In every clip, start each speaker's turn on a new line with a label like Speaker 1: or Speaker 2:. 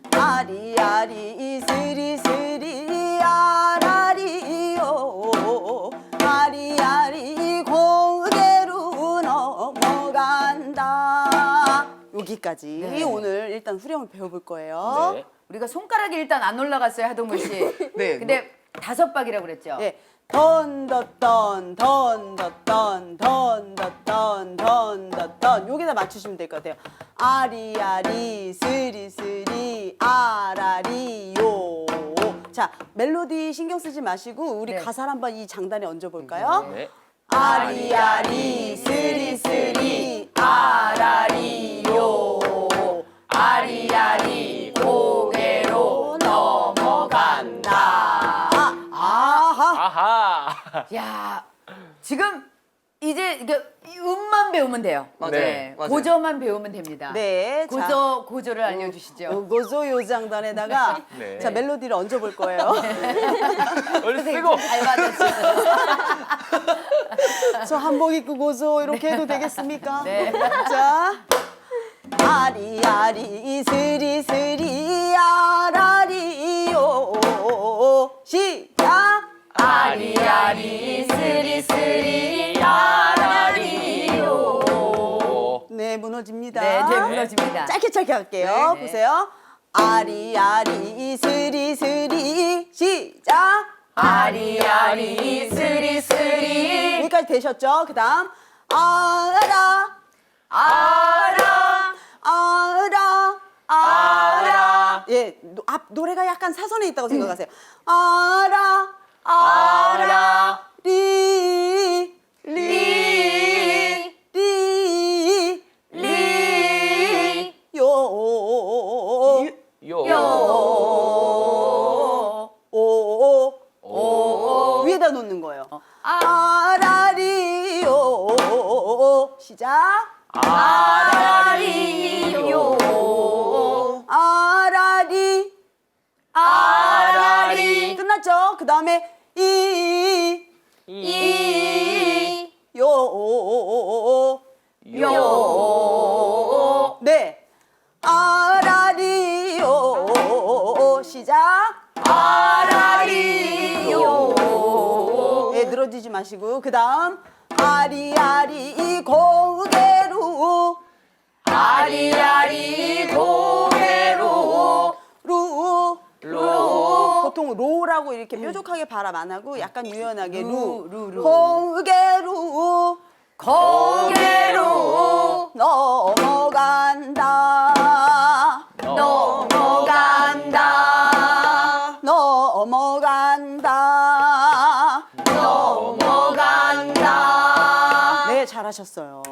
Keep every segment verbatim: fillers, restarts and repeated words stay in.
Speaker 1: 아리아리 스리스리 아라리요 아리아리 고개로 넘어간다. 여기까지
Speaker 2: 네.
Speaker 1: 오늘 일단 후렴을 배워볼 거예요.
Speaker 3: 네.
Speaker 2: 우리가 손가락이 일단 안 올라갔어요, 하동근 씨.
Speaker 1: 네.
Speaker 2: 근데 다섯 박이라고 그랬죠?
Speaker 1: 예. 던더던 던더던 던더던 던더던 여기다 맞추시면 될 것 같아요. 아리아리 스리스리 아라리요. 자, 멜로디 신경 쓰지 마시고 우리
Speaker 2: 네.
Speaker 1: 가사를 한번 이 장단에 얹어 볼까요?
Speaker 3: 네.
Speaker 1: 아리아리 스리스리 아라리요 아리아리 고개로 넘어간다. 아하.
Speaker 3: 아하.
Speaker 2: 야, 지금 이제 이게 음만 배우면 돼요.
Speaker 3: 맞아요.
Speaker 2: 네,
Speaker 4: 맞아요.
Speaker 2: 고저만 배우면 됩니다.
Speaker 1: 네, 자.
Speaker 2: 고저 고저를 알려주시죠.
Speaker 1: 어, 고조 요장단에다가
Speaker 3: 네.
Speaker 1: 자 멜로디를 얹어볼 거예요.
Speaker 3: 얼른 쓰고.
Speaker 2: 잘 받았어요.
Speaker 1: 저 한복 입고 고조 이렇게 해도 되겠습니까?
Speaker 2: 네.
Speaker 1: 자, 아리아리 스리스리 아라리요 시작.
Speaker 2: 아리아리 스리스리 아라리요.
Speaker 1: 네, 무너집니다.
Speaker 2: 네, 네 무너집니다.
Speaker 1: 짧게 짧게 할게요.
Speaker 2: 네, 네.
Speaker 1: 보세요. 아리아리 스리스리 시작.
Speaker 2: 아리아리 스리스리
Speaker 1: 여기까지 되셨죠? 그 다음 알아
Speaker 2: 아라
Speaker 1: 알아
Speaker 2: 아라
Speaker 1: 예, 노, 앞 노래가 약간 사선에 있다고 생각하세요. 알아
Speaker 2: 아라
Speaker 1: 리
Speaker 2: 리
Speaker 1: 리
Speaker 2: 리
Speaker 1: 요
Speaker 3: 요.
Speaker 2: 요.
Speaker 1: 오
Speaker 2: 오.
Speaker 1: 위에다 놓는 거예요.
Speaker 2: 아.
Speaker 1: 아라리요 시작.
Speaker 2: 아라리요.
Speaker 1: 아라리
Speaker 2: 아라리
Speaker 1: 끝났죠? 그 다음에 이
Speaker 2: 이
Speaker 1: 요
Speaker 2: 요.
Speaker 1: 네. 아라리요 시작.
Speaker 2: 아라리요.
Speaker 1: 네, 늘어지지 마시고 그 다음 아리아리 고개로
Speaker 2: 아리아리 고개로
Speaker 1: 루
Speaker 2: 루.
Speaker 1: 보통 로라고 이렇게 뾰족하게 발음 안 하고 약간 유연하게 루,
Speaker 2: 루, 루, 루.
Speaker 1: 고개로
Speaker 2: 고개로
Speaker 1: 넘어간다
Speaker 2: 넘어간다
Speaker 1: 넘어간다
Speaker 2: 넘어간다
Speaker 1: 네, 잘하셨어요.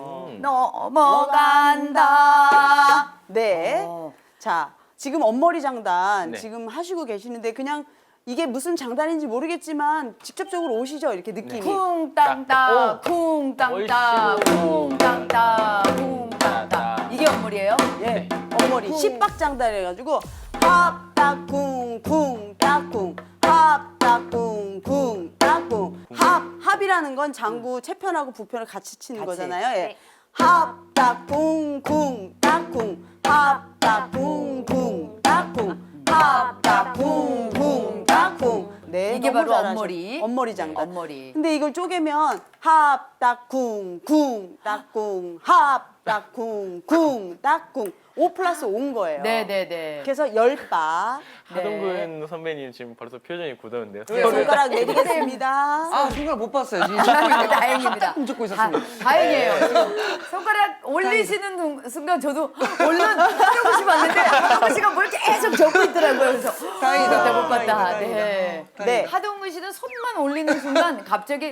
Speaker 2: 넘어간다.
Speaker 1: 네.
Speaker 2: 어.
Speaker 1: 자, 지금 엄머리 장단
Speaker 3: 네.
Speaker 1: 지금 하시고 계시는데 그냥 이게 무슨 장단인지 모르겠지만 직접적으로 오시죠? 이렇게 느낌이.
Speaker 2: 쿵땅따 쿵땅따
Speaker 3: 어이씨구.
Speaker 2: 쿵땅따 쿵땅따 이게 엄물이에요?
Speaker 1: 예. 엄머리 십박 장단 해가지고 합딱쿵 쿵 딱쿵 합딱쿵 쿵 딱쿵 합 합이라는 건 장구 채편하고 부편을 같이 치는
Speaker 2: 같이.
Speaker 1: 거잖아요. 예.
Speaker 2: 네.
Speaker 1: 합딱쿵 쿵 딱쿵 합딱쿵 쿵 딱쿵 합딱쿵 쿵 딱쿵 네,
Speaker 2: 이게
Speaker 1: 너무
Speaker 2: 바로
Speaker 1: 잘하셔.
Speaker 2: 엄머리.
Speaker 1: 엄머리 장단.
Speaker 2: 엄머리.
Speaker 1: 근데 이걸 쪼개면 합딱쿵 쿵 딱쿵 합딱쿵 쿵 딱쿵 오 플러스 오인 거예요.
Speaker 2: 네네네.
Speaker 1: 그래서 열 바.
Speaker 3: 하동근 선배님 지금 벌써 표정이 굳었는데요.
Speaker 1: 네, 손가락 내리겠습니다.
Speaker 4: 아, 손가락 못 봤어요. 지금
Speaker 2: 다행입니다.
Speaker 4: 조금 쫓고
Speaker 2: 다,
Speaker 4: 있었습니다.
Speaker 2: 다행이에요. 지금 손가락 올리시는 둥- 순간 저도 얼른 하동근 씨 봤는데 하동근 씨가 뭘 계속 적고 있더라고요. 그래서
Speaker 4: 다행이다.
Speaker 2: 못 봤다, 못 봤다.
Speaker 4: 다행이다,
Speaker 2: 네.
Speaker 4: 다행이다.
Speaker 1: 네.
Speaker 2: 하동근 씨는 손만 올리는 순간 갑자기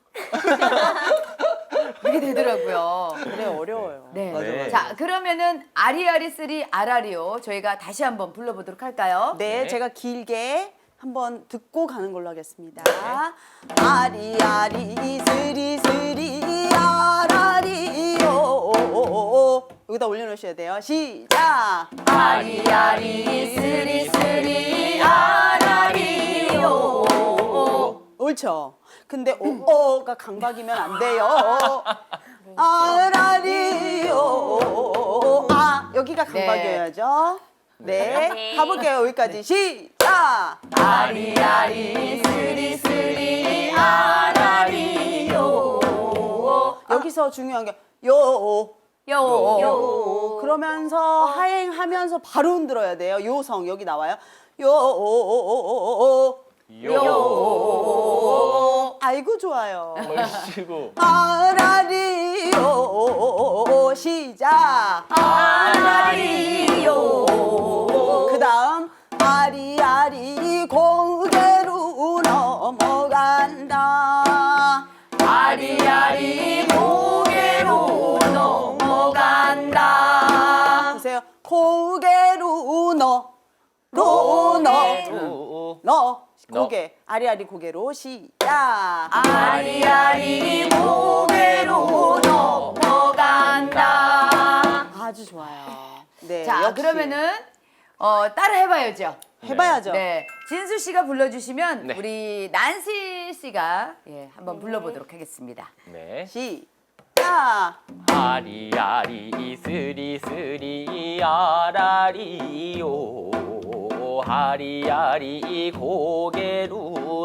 Speaker 2: 이렇게 되더라고요.
Speaker 1: 그래 어려워요.
Speaker 2: 네.
Speaker 4: 맞아,
Speaker 3: 맞아.
Speaker 2: 자, 그러면은 아리아리 쓰리 아라리오 저희가 다시 한번 불러보도록 할까요?
Speaker 1: 네,
Speaker 3: 네.
Speaker 1: 제가 길게 한번 듣고 가는 걸로 하겠습니다. 아리아리 스리스리 아라리요. 여기다 올려놓으셔야 돼요. 시작.
Speaker 2: 아리아리 쓰리 쓰리 아라리오.
Speaker 1: 옳죠. 근데 오어가 강박이면 안 돼요. 아라리요. 아, 여기가 강박이어야죠. 네,
Speaker 5: 네.
Speaker 1: 가볼게요. 여기까지 시작.
Speaker 2: 아리아리 쓰리 쓰리 아라리요.
Speaker 1: 여기서 중요한 게 요.
Speaker 2: 요.
Speaker 1: 요. 그러면서 하행하면서 바로 흔들어야 돼요. 요성 여기 나와요. 요.
Speaker 3: 요.
Speaker 1: 아이고 좋아요.
Speaker 3: 얼씨구.
Speaker 1: 아라리요. 시작.
Speaker 2: 아라리요.
Speaker 1: 그 다음 아리아리 고개로 넘어간다.
Speaker 2: 아리아리 고개로 넘어간다.
Speaker 1: 보세요. 고개로 너. 로, 너.
Speaker 3: 오.
Speaker 1: 너.
Speaker 3: 너.
Speaker 1: 고개. 아리아리 고개로 시작.
Speaker 2: 아리아리 고개로 넘어간다.
Speaker 1: 아주 좋아요. 네.
Speaker 2: 자,
Speaker 1: 역시.
Speaker 2: 그러면은 어, 따라 해봐야죠.
Speaker 1: 해봐야죠.
Speaker 2: 네, 진수 씨가 불러주시면
Speaker 3: 네.
Speaker 2: 우리 난시 씨가 예, 한번 불러보도록 하겠습니다.
Speaker 3: 네.
Speaker 1: 시작.
Speaker 3: 아리아리 이스리 스리 아라리요. 아리아리 고개로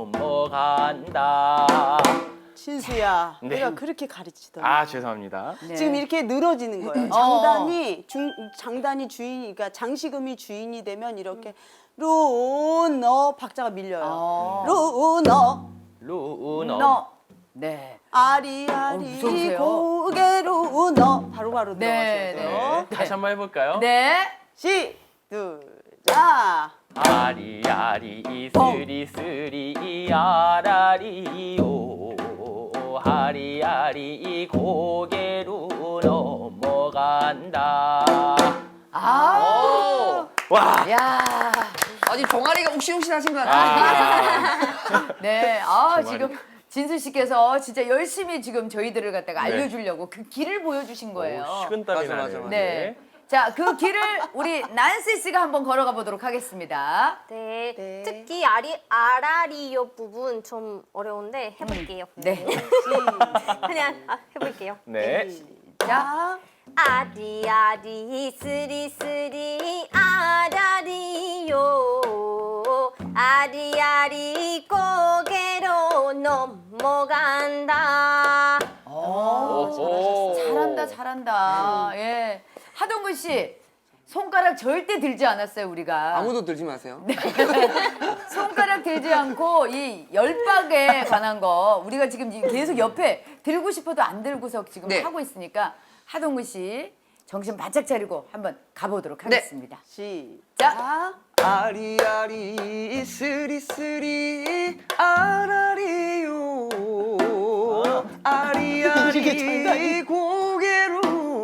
Speaker 3: 넘어간다.
Speaker 1: 진수야,
Speaker 3: 네.
Speaker 1: 내가 그렇게 가르치더니
Speaker 3: 아 죄송합니다.
Speaker 2: 네.
Speaker 1: 지금 이렇게 늘어지는 거예요. 장단이 중 장단이 주인이 그러니까 장식음이 주인이 되면 이렇게 루너 박자가 밀려요.
Speaker 2: 어.
Speaker 1: 루너
Speaker 3: 루너.
Speaker 2: 너. 네. 어,
Speaker 1: 아리아리
Speaker 2: 무서우세요.
Speaker 1: 고개로 너 바로바로
Speaker 2: 네,
Speaker 1: 들어가셔야 돼요.
Speaker 3: 네. 다시 한번 해볼까요?
Speaker 2: 네.
Speaker 1: 시작.
Speaker 3: 아리아리 이스리 스리 아라리요. 아리아리 고개로 넘어간다.
Speaker 2: 아.
Speaker 3: 와.
Speaker 2: 야.
Speaker 4: 아니 종아리가 욱신욱신하신 것 같아요.
Speaker 2: 네. 아,
Speaker 3: 정말이.
Speaker 2: 지금 진수 씨께서 진짜 열심히 지금 저희들을 갖다가
Speaker 3: 네.
Speaker 2: 알려주려고 그 길을 보여주신 거예요.
Speaker 3: 오, 식은땀이
Speaker 4: 맞아,
Speaker 3: 나네요.
Speaker 4: 맞아, 맞아.
Speaker 2: 네. 자, 그 길을 우리 난시 씨가 한번 걸어가 보도록 하겠습니다.
Speaker 5: 네.
Speaker 1: 네.
Speaker 5: 특히 아리, 아라리요 부분 좀 어려운데 해볼게요.
Speaker 2: 네.
Speaker 5: 그냥 아, 해볼게요.
Speaker 3: 네.
Speaker 2: 자,
Speaker 5: 아리아리 쓰리 쓰리 아라리요. 아리아리 고개로 넘어간다.
Speaker 3: 오.
Speaker 2: 잘한다, 잘한다. 예. 하동근 씨, 손가락 절대 들지 않았어요, 우리가.
Speaker 4: 아무도 들지 마세요.
Speaker 2: 손가락 들지 않고 이 열박에 관한 거 우리가 지금 계속 옆에 들고 싶어도 안 들고서 지금
Speaker 4: 네.
Speaker 2: 하고 있으니까 하동근 씨 정신 바짝 차리고 한번 가보도록
Speaker 4: 네.
Speaker 2: 하겠습니다.
Speaker 1: 시작.
Speaker 4: 아리아리 스리스리 아라리요. 아리아리 고개로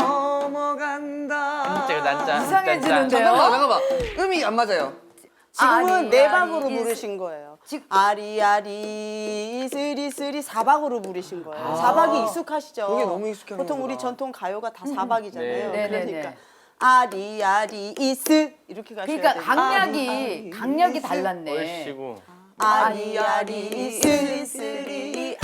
Speaker 4: 넘어간다.
Speaker 3: 진짜 난짜.
Speaker 2: 이상해지는데요?
Speaker 4: 잠깐만 잠깐만 음이 안 맞아요.
Speaker 1: 지금은
Speaker 2: 아리,
Speaker 1: 네
Speaker 2: 아리,
Speaker 1: 박으로
Speaker 2: 이스-
Speaker 1: 부르신 거예요.
Speaker 2: 지금-
Speaker 1: 아리아리 스리스리 사박으로 부르신 거예요. 사박이 익숙하시죠?
Speaker 4: 그게 너무 익숙한
Speaker 1: 보통 우리
Speaker 4: 거구나.
Speaker 1: 전통 가요가 다 사박이잖아요.
Speaker 3: 네.
Speaker 2: 네, 네,
Speaker 1: 그러니까
Speaker 2: 네.
Speaker 1: 아리아리 이스 이렇게 가셔야
Speaker 2: 그러니까
Speaker 1: 돼요.
Speaker 2: 강약이
Speaker 1: 아리,
Speaker 2: 강약이 달랐네.
Speaker 3: 얼씨구.
Speaker 1: 아리아리 스리스리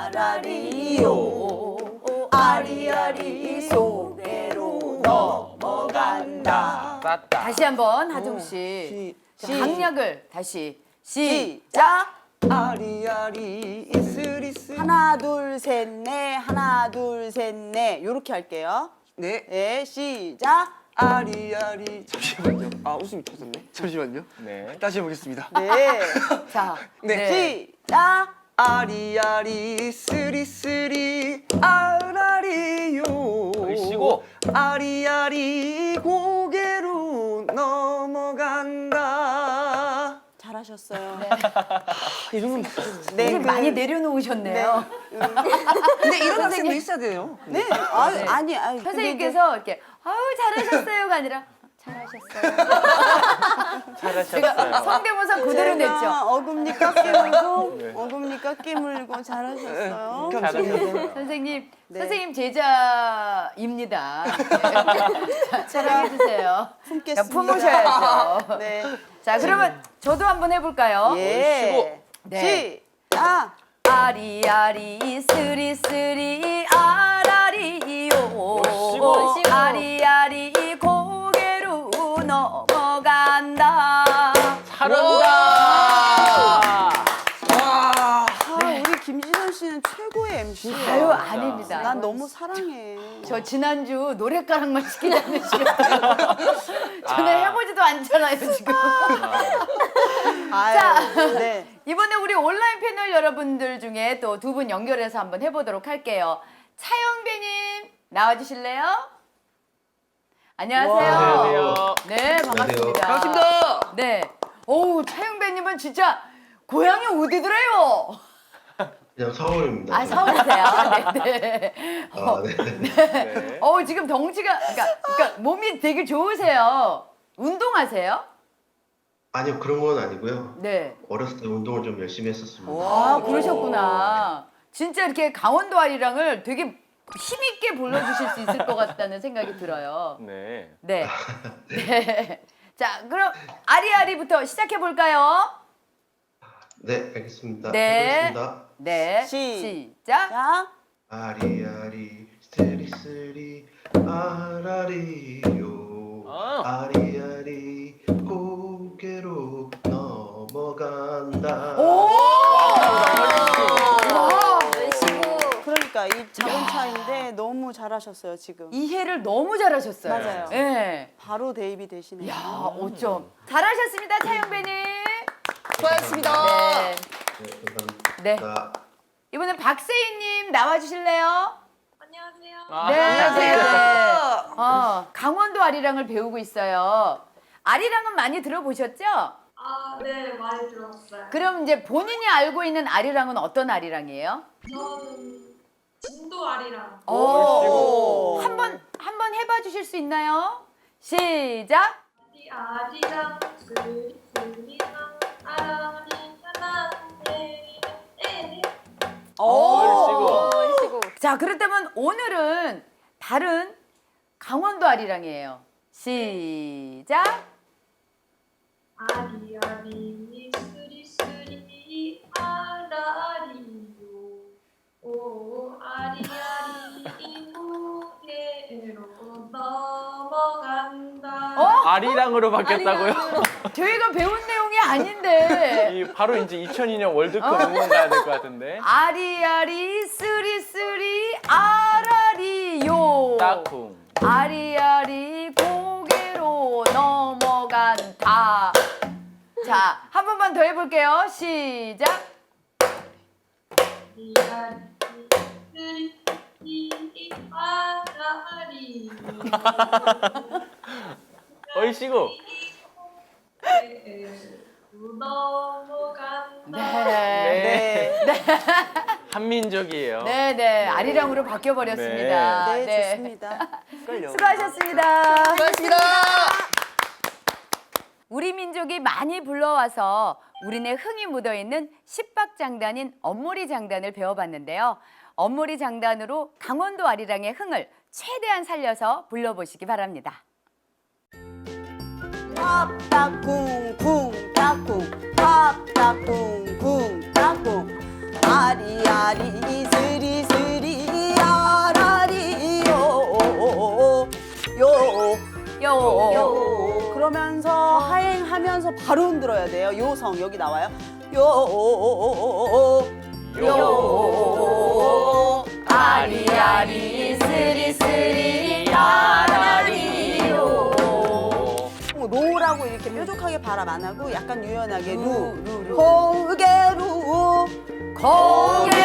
Speaker 1: 아라리요. 아리아리 소개로 넘어간다.
Speaker 3: 쌌다.
Speaker 2: 다시 한번 하동 씨
Speaker 1: 시-
Speaker 2: 강약을 다시 시
Speaker 1: 시작.
Speaker 4: 아리아리 스리스리.
Speaker 1: 하나 둘 셋 넷 하나 둘 셋 넷 요렇게 할게요.
Speaker 4: 네.
Speaker 1: 네 시작.
Speaker 4: 아리아리 잠시만요. 아 웃음이 터졌네. 잠시만요.
Speaker 3: 네.
Speaker 4: 다시 해보겠습니다.
Speaker 1: 네.
Speaker 2: 자,
Speaker 4: 네.
Speaker 1: 시작.
Speaker 4: 아리아리 스리스리 아라리요.
Speaker 3: 얼씨구.
Speaker 4: 아리아리 고개로 넘어간다.
Speaker 1: 잘하셨어요.
Speaker 4: 이 정도면
Speaker 1: 네,
Speaker 2: 선생님
Speaker 1: 그-
Speaker 2: 많이 내려놓으셨네요.
Speaker 4: 근데 이런 학생도 있어야 돼요.
Speaker 1: 네. 아,
Speaker 2: 네.
Speaker 1: 아니, 아니. 근데
Speaker 2: 선생님께서 이렇게 아유 잘하셨어요가 아니라 잘하셨어요. 제가
Speaker 3: 잘하셨어요.
Speaker 2: 성대모사 그대로
Speaker 1: 제가
Speaker 2: 냈죠.
Speaker 1: 어금니 깎이 물고,
Speaker 3: 네.
Speaker 1: 어금니 깎이 물고 잘하셨어요.
Speaker 3: 잘하셨어요.
Speaker 2: 선생님,
Speaker 1: 네.
Speaker 2: 선생님 제자입니다. 자, 사랑해 주세요.
Speaker 1: 품겠습니다.
Speaker 2: 품으셔야죠.
Speaker 1: 네.
Speaker 2: 자, 그러면 저도 한번 해볼까요?
Speaker 1: 예.
Speaker 2: 네.
Speaker 1: 시작.
Speaker 2: 아리아리 스리스리 아라리요.
Speaker 3: 오시고.
Speaker 2: 아리아리 고개로 넘어간다.
Speaker 3: 잘한다.
Speaker 1: 아, 우리 김지선 씨는 최고의 엠시예요.
Speaker 2: 아유 아닙니다.
Speaker 1: 난 너무 사랑해.
Speaker 2: 저 지난주 노랫가락만 시키자는 시간. 저는 해보지도 않잖아요 지금.
Speaker 1: 아유,
Speaker 2: 자.
Speaker 1: 네.
Speaker 2: 이번에 우리 온라인 패널 여러분들 중에 또 두 분 연결해서 한번 해보도록 할게요. 차영배님 나와주실래요? 안녕하세요.
Speaker 3: 안녕하세요.
Speaker 2: 네 반갑습니다.
Speaker 4: 반갑습니다.
Speaker 2: 네. 어우 차영배님은 진짜 고향이 어디더래요?
Speaker 6: 그냥 서울입니다.
Speaker 2: 아 서울이세요? 네네.
Speaker 6: 아, 네.
Speaker 3: 네.
Speaker 2: 어우 지금 덩치가 그러니까, 그러니까 몸이 되게 좋으세요. 운동하세요?
Speaker 6: 아니요, 그런 건 아니고요.
Speaker 2: 네.
Speaker 6: 어렸을 때 운동을 좀 열심히 했었습니다.
Speaker 2: 아 그러셨구나. 진짜 이렇게 강원도 아리랑을 되게 힘있게 불러주실 수 있을 것 같다는 생각이 들어요.
Speaker 3: 네.
Speaker 2: 네. 네. 자 그럼 아리아리부터 시작해 볼까요?
Speaker 6: 네, 알겠습니다.
Speaker 2: 네.
Speaker 6: 해보겠습니다.
Speaker 2: 네.
Speaker 1: 시-
Speaker 2: 시작.
Speaker 1: 자,
Speaker 6: 아리아리 스리스리 아라리요
Speaker 3: 아.
Speaker 6: 아리아리 고개로 넘어간다.
Speaker 2: 오! 와!
Speaker 5: 얼씨구.
Speaker 1: 그러니까 이 작은 차인데 너무 잘하셨어요 지금.
Speaker 2: 이해를 너무 잘하셨어요.
Speaker 1: 맞아요.
Speaker 2: 네.
Speaker 1: 바로 대입이 되시네요.
Speaker 2: 야, 어쩜. 잘하셨습니다, 차영배님.
Speaker 4: 수고하셨습니다.
Speaker 2: 네.
Speaker 6: 네,
Speaker 2: 네.
Speaker 6: 감사합니다.
Speaker 2: 이번엔 박세희님 나와주실래요?
Speaker 5: 안녕하세요.
Speaker 3: 아,
Speaker 2: 네,
Speaker 4: 안녕하세요.
Speaker 2: 네. 어, 강원도 아리랑을 배우고 있어요. 아리랑은 많이 들어보셨죠?
Speaker 7: 아, 네, 많이 들었어요.
Speaker 2: 그럼 이제 본인이 알고 있는 아리랑은 어떤 아리랑이에요?
Speaker 7: 저는 진도 아리랑.
Speaker 2: 오, 한번 한번 해봐 주실 수 있나요? 시작.
Speaker 7: 아리 아리랑 스리 스리랑 아라리 하나네. 에.
Speaker 3: 얼씨구.
Speaker 5: 얼씨구.
Speaker 2: 자, 그렇다면 오늘은 다른 강원도 아리랑이에요. 시작.
Speaker 7: 아리 아리 스리 스리 아라리요. 오 아리 아리 무게로 넘어간다.
Speaker 2: 어?
Speaker 3: 아리랑으로 바뀌었다고요?
Speaker 2: 저희가 배운 내용이 아닌데.
Speaker 3: 이 바로 이제 이천이 년 월드컵
Speaker 2: 어.
Speaker 3: 응원 가야 될 것 같은데.
Speaker 2: 아리아리 쓰리쓰리 아라리요.
Speaker 3: 딱쿵.
Speaker 2: 아리아리 고개로 넘어간다. 자, 한 번만 더 해볼게요. 시작.
Speaker 7: 아리 아리 스리 스리 아라리.
Speaker 3: 얼씨구.
Speaker 7: 넘어간다.
Speaker 2: 네.
Speaker 3: 네. 한민족이에요.
Speaker 2: 네, 네. 아리랑으로 바뀌어버렸습니다.
Speaker 1: 네, 좋습니다.
Speaker 2: 수고하셨습니다.
Speaker 4: 수고하셨습니다.
Speaker 2: 우리 민족이 많이 불러와서 우리네 흥이 묻어있는 십박장단인 엄모리 장단을 배워봤는데요. 엄모리 장단으로 강원도 아리랑의 흥을 최대한 살려서 불러보시기 바랍니다.
Speaker 1: 합딱쿵쿵 딱쿵 합딱쿵쿵 딱쿵 아리아리 스리스리 아라리요 요
Speaker 2: 요.
Speaker 1: 요. 그러면서 하행하면서 바로 흔들어야 돼요. 요성 여기 나와요. 요.
Speaker 2: 요. 아리아리 스리스리 아라리요.
Speaker 1: 로라고 이렇게 뾰족하게 발음 안 하고 약간 유연하게 루.
Speaker 2: 루, 루, 루.
Speaker 1: 고개로
Speaker 2: 고개